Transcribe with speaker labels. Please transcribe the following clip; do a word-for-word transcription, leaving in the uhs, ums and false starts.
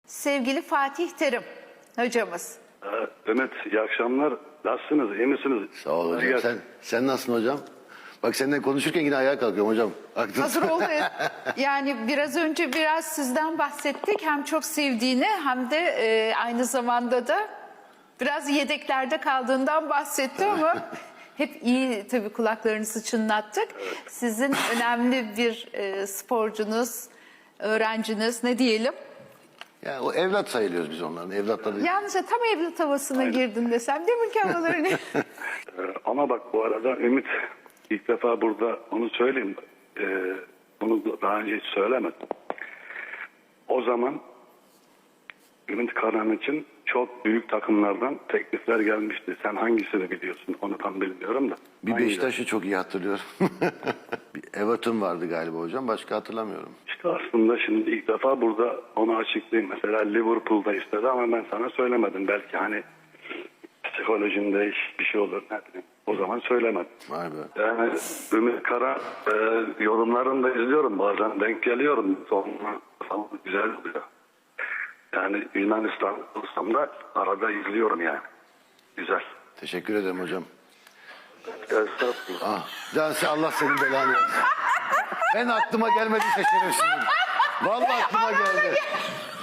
Speaker 1: Sevgili Fatih Terim hocamız.
Speaker 2: Ee, Ümit, iyi akşamlar. Nasılsınız, iyi misiniz?
Speaker 3: Sağ ol hocam.
Speaker 2: Hadi
Speaker 3: Sen, sen nasılsın hocam? Bak seninle konuşurken yine ayağa kalkıyorum hocam. Aklın...
Speaker 1: Hazır oldu. Yani biraz önce biraz sizden bahsettik. Hem çok sevdiğini hem de e, aynı zamanda da biraz yedeklerde kaldığından bahsetti ama hep iyi tabii kulaklarınızı çınlattık. Sizin önemli bir e, sporcunuz, öğrenciniz ne diyelim?
Speaker 3: Yani o evlat sayılıyoruz biz onların. Evlatları.
Speaker 1: Yalnızca tam evlat havasına girdin desem değil mi ki havalarını?
Speaker 2: Ee, ama bak bu arada Ümit, ilk defa burada onu söyleyeyim. Ee, bunu daha önce hiç söylemedim. O zaman Ümit Karan için çok büyük takımlardan teklifler gelmişti. Sen hangisini biliyorsun? Onu tam bilmiyorum da.
Speaker 3: Bir
Speaker 2: Hangi-
Speaker 3: Beşiktaş'ı çok iyi hatırlıyorum. Bir Everton vardı galiba hocam. Başka hatırlamıyorum.
Speaker 2: İşte aslında şimdi ilk defa burada onu açıklayayım. Mesela Liverpool'da istedi ama ben sana söylemedim. Belki hani psikolojinde iş- bir şey olur. Ne bileyim. O zaman söylemedim.
Speaker 3: Vay be.
Speaker 2: Yani Ümit Kara e, yorumlarını da izliyorum. Bazen denk geliyorum. Sonra falan güzel oluyor. Yani Yunanistan olsam da arada izliyorum yani. Güzel.
Speaker 3: Teşekkür ederim hocam.
Speaker 2: Estağfurullah.
Speaker 3: Ah, Cansi Allah senin belanı versin. Ben aklıma gelmedi şerefsizim. Vallahi aklıma geldi.